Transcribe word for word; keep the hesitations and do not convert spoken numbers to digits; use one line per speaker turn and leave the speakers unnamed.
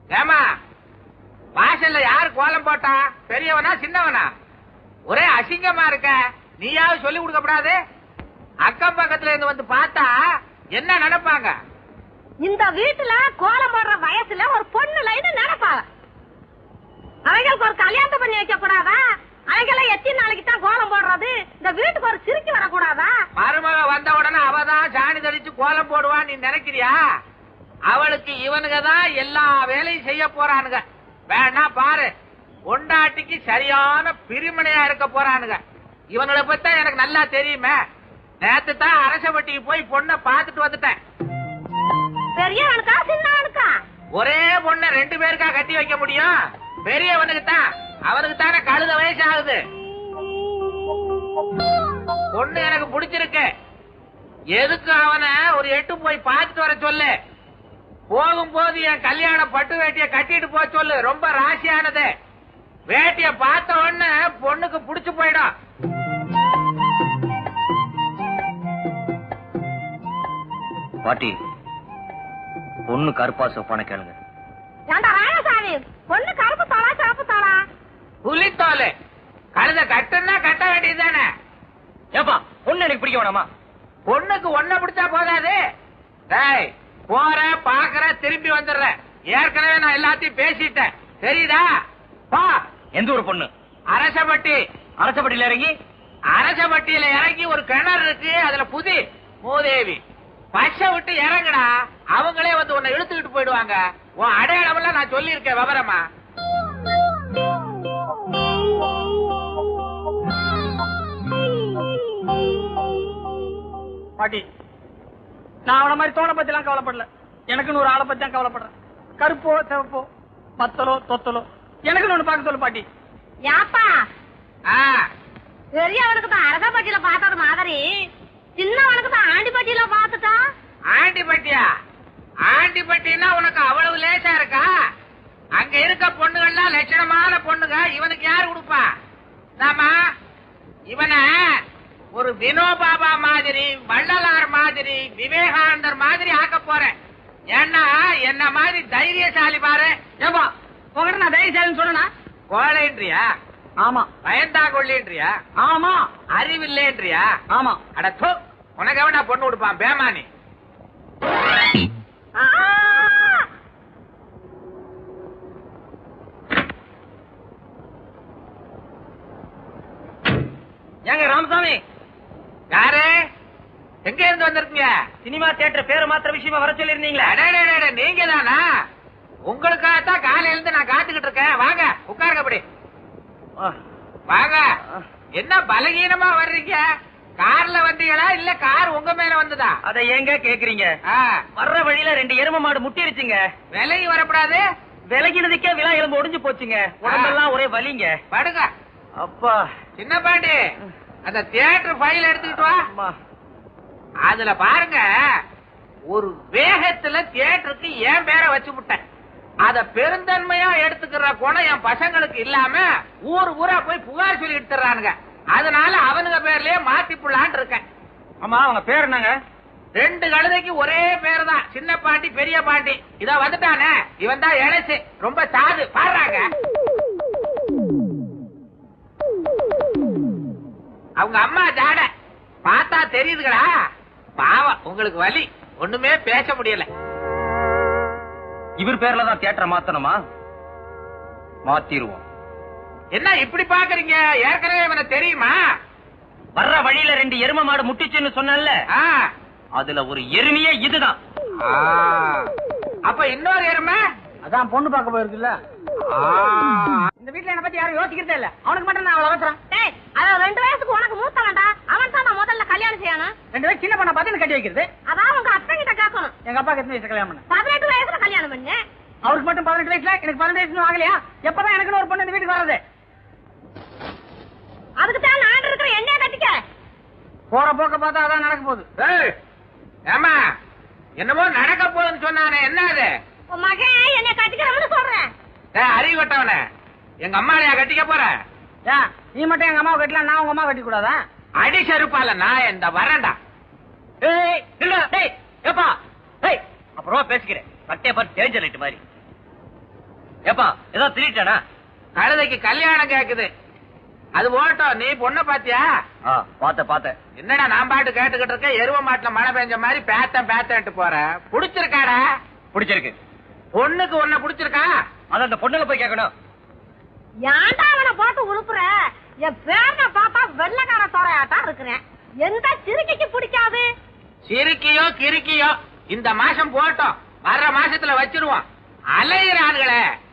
ஏமா வாசல்ல யாரு கோலம் போட்டா? பெரியவனா சின்னவனா? ஒரே அசிங்கமா இருக்க. நீயாவது சொல்லி கொடுக்கப்படாது? அக்கம் பக்கத்துல இருந்து வந்து பார்த்தா என்ன நினைப்பாங்க?
இந்த வீட்டுல கோலம் போடுற வயசுல ஒரு பொண்ணு லைன்னு நினைப்பாங்க. அவங்களுக்கு ஒரு கல்யாணம் பண்ணி வைக்க கூடாதா? அவங்கெல்லாம் எத்தனை நாளைக்கு தான் கோலம் போடுறது? இந்த வீட்டுக்கு ஒரு சிரிக்கி வரக்கூடாதா?
மருமக வந்த உடனே அவதான் சாணி தெளிச்சு கோலம் போடுவான்னு நீ நினைக்கிறியா? அவளுக்கு இவனுங்க தான் எல்லா வேலையும் செய்ய போறானுங்க. வேணா பாரு, பொண்டாட்டிக்கு சரியான பிரிமனையா இருக்க போறானுங்க. இவனுங்களை பத்தி எனக்கு நல்லா தெரியுமே. நேத்து தான் அரசப்பட்டிக்கு போய் பொண்ணை பாத்துட்டு வந்துட்டேன்.
பெரியவனுக்கா சின்னவனுக்கா?
ஒரே பொண்ணை ரெண்டு பேருக்கா கட்டி வைக்க முடியும்? பெரியவனுக்கு தான். அவனுக்கு தானே கழுத வயசு ஆகுது. பொண்ணு எனக்கு பிடிச்சிருக்கு. எதுக்கு அவனை ஒரு எட்டு போய் பார்த்துட்டு வர சொல்லு. போகும்போது என் கல்யாண பட்டு வேட்டிய கட்டிட்டு போக சொல்லு. ரொம்ப ராசியானது. வேட்டிய பார்த்த உடனே பொண்ணுக்கு புடிச்சு போயிடும்.
பாட்டி, பொண்ணு கருப்பா சொப்பான கேளுங்க.
ராயசாமி, பொண்ணு கருப்பு தோளா சிவப்பு தோளா?
புலித்தோலு. கழுத கட்டுன்னா கட்ட வேண்டியதுதானே.
ஏப்பா, பொண்ணு எனக்கு பிடிக்க வேணாமா?
பொண்ணுக்கு ஒன்ன பிடிச்சா போதாது. டேய், போற பாக்குற திரும்பி வந்துடுற. ஏற்கனவே நான் எல்லாத்தையும் பேசிட்டேன், தெரியுதா? பா.
எந்த ஒரு பொண்ணு?
அரசப்பட்டி.
அரசப்பட்டியில இறங்கி
அரசப்பட்டியில இறங்கி ஒரு கிணறு இருக்கு, அதுல புதி மூதேவி. பச்சை விட்டு இறங்குடா, அவங்களே வந்து உன்னை இழுத்துக்கிட்டு போயிடுவாங்க. உன் அடையாளம் எல்லாம் நான் சொல்லி இருக்கேன் விவரமா.
பாட்டி, நான் அவன மாதிரி தோணை பத்தி எல்லாம் கவலைப்படல. எனக்குன்னு ஒரு ஆளை பத்தி தான் கவலைப்படுறேன். கருப்போ சிவப்போ மத்தலோ தொத்தலோ எனக்குன்னு ஒண்ணு பார்க்க சொல்லு பாட்டி.
யாப்பா, பெரியவனுக்கு தான் அரசப்பட்டியில பார்த்தது மாதிரி சின்னவனுக்கு தான் ஆண்டிப்பட்டியில பார்த்துட்டா.
ஆண்டிப்பட்டியா? ஆண்டிப்பட்டின்னா உனக்கு அவ்வளவு லேசா இருக்கா? அங்க இருக்க பொண்ணுகள்லாம் லட்சணமான பொண்ணுங்க. இவனுக்கு யாரு கொடுப்பா? நாம இவனை ஒரு வினோபாபா மாதிரி, வள்ளலார் மாதிரி, விவேகானந்தர் மாதிரி ஆக்க போறேன். ஏன்னா என்ன மாதிரி தைரியசாலி பாரு.
ஏப்பா, உங்ககிட்ட நான் தைரியசாலின்னு சொன்னா
கோழைன்றியா?
ஆமா.
பயந்தா கொள்ளின்றியா?
ஆமா.
அறிவில்லைன்றியா?
ஆமா.
அட தோ, உனக்கு எவனா பொண்ணு கொடுப்பான் பேமானி?
ஏங்க ராமசாமி,
யாரு? எங்க இருந்து வந்திருக்கீங்க?
சினிமா தியேட்டர் பேரை மாத்திர விஷயமா வர சொல்லி இருந்தீங்களா?
நீங்க தானா? உங்களுக்காகத்தான் காலையில இருந்து நான் காத்துக்கிட்டு இருக்கேன். வாங்க உட்காருங்க. அப்படி வாங்க. என்ன பலகீனமா வர்றீங்க? கார்ல வந்தீங்களா இல்ல கார் உங்க மேல வந்ததா?
அதை ஏங்க கேக்குறீங்க? வர்ற வழியில ரெண்டு எரும மாடு முட்டிருச்சுங்க.
விலகி வரப்படாது.
விலகினதுக்கே விழா எலும்பு ஒடிஞ்சு போச்சுங்க. உடம்பெல்லாம் ஒரே வலிங்க.
படுங்க.
அப்பா.
சின்ன பாண்டி, அந்த தியேட்டர் ஃபைல் எடுத்துக்கிட்டு வா. அதுல பாருங்க, ஒரு வேகத்துல தியேட்டருக்கு என் பேரை வச்சு விட்டேன். அத பெருந்தன்மையா எடுத்துக்கிற குணம் என் பசங்களுக்கு இல்லாம ஊர் ஊரா போய் புகார் சொல்லி எடுத்துறானுங்க. அதனால அவனுங்க பேர்லயே மாத்தி புள்ளான்னு இருக்கேன்.
ஆமா, அவங்க பேர் என்னங்க?
ரெண்டு கழுதைக்கு ஒரே பேர் தான், சின்ன பாண்டி பெரிய பாண்டி. இத வந்துட்டானே, இவன் தான் இழைச்சு, ரொம்ப சாது. பாடுறாங்க அவங்க அம்மா ஜாட பார்த்தா தெரியுதுங்களா? பாவம், உங்களுக்கு வலி, ஒண்ணுமே பேச முடியல.
இவர் பேர்ல தான் தியேட்டரை மாத்தணுமா? மாத்திருவோம்.
என்ன இப்படி பாக்குறீங்க? ஏற்கனவே இவனை தெரியுமா?
வர்ற வழியில ரெண்டு எரும மாடு முட்டிச்சுன்னு சொன்னல, அதுல ஒரு எருமையே இதுதான்.
அப்ப இன்னொரு எருமை
அதான் பொண்ணு பார்க்க போயிருக்குல்ல. இந்த வீட்டுல என்ன பத்தி யாரும் யோசிக்கிறதே இல்ல. அவனுக்கு மட்டும் நான் அவ்வளவு அவசரம்.
அவன் ரெண்டு வயசுக்கு உனக்கு மூத்தவன்டா. அவன் தான் நான் முதல்ல கல்யாணம் செய்யணும்.
ரெண்டு வயசு சின்ன பொண்ணை பார்த்து கட்டி வைக்கிறது.
அதான் உங்க அப்பா கிட்ட கேட்கணும்.
எங்க அப்பாக்கு எத்தனை வயசு கல்யாணம் பண்ண?
பதினெட்டு வயசுல கல்யாணம் பண்ணு.
அவருக்கு மட்டும் பதினெட்டு வயசுல, எனக்கு பதினெட்டு வயசு ஆகலையா? எப்பதான் எனக்கு ஒரு பொண்ணு இந்த வீட்டுக்கு வர்றது?
அதுக்கு தான் நான் இருக்கிற என்ன கட்டிக்க.
போற போக்க பார்த்தா அதான் நடக்க போகுது.
ஏமா, என்னமோ நடக்க போகுதுன்னு சொன்னானே, என்ன அது?
உன் மகன் என்னை கட்டிக்கிறவனு சொல்றேன்.
அறிவட்டவன, எங்க அம்மாளையா கட்டிக்க போற?
நீ மட்டும் எங்க அம்மாவை கட்டலாம், நான் உங்க அம்மா கட்டி கூடாதா?
அடி செருப்பால நான் இந்த வரேன்டா.
அப்புறமா பேசிக்கிறேன். கட்டே பாரு டேஞ்சர் லைட் மாதிரி. ஏப்பா ஏதோ திருட்டானா?
கழுதைக்கு கல்யாணம் கேக்குது. அது ஓட்டம். நீ பொண்ண பாத்தியா?
பாத்த பாத்த.
என்னடா நான் பாட்டு கேட்டுக்கிட்டு இருக்க, எருவ மாட்டுல மழை பெஞ்ச மாதிரி பேத்தன் பேத்தன்ட்டு போற. புடிச்சிருக்காடா?
பிடிச்சிருக்கு.
பொண்ணுக்கு ஒன்ன புடிச்சிருக்கா?
அத அந்த பொண்ணுல போய் கேட்கணும்.
ஏன்டா அவனை போட்டு உழுப்புற? என் பேரனை பார்த்தா வெள்ளக்கார தோரையாட்டா இருக்கிறேன். எந்த சிறுக்கைக்கு பிடிக்காது?
சிரிக்கியோ கிறுக்கியோ இந்த மாசம் போட்டோம், வர்ற மாசத்துல வச்சிருவோம். அலையிறானுங்களே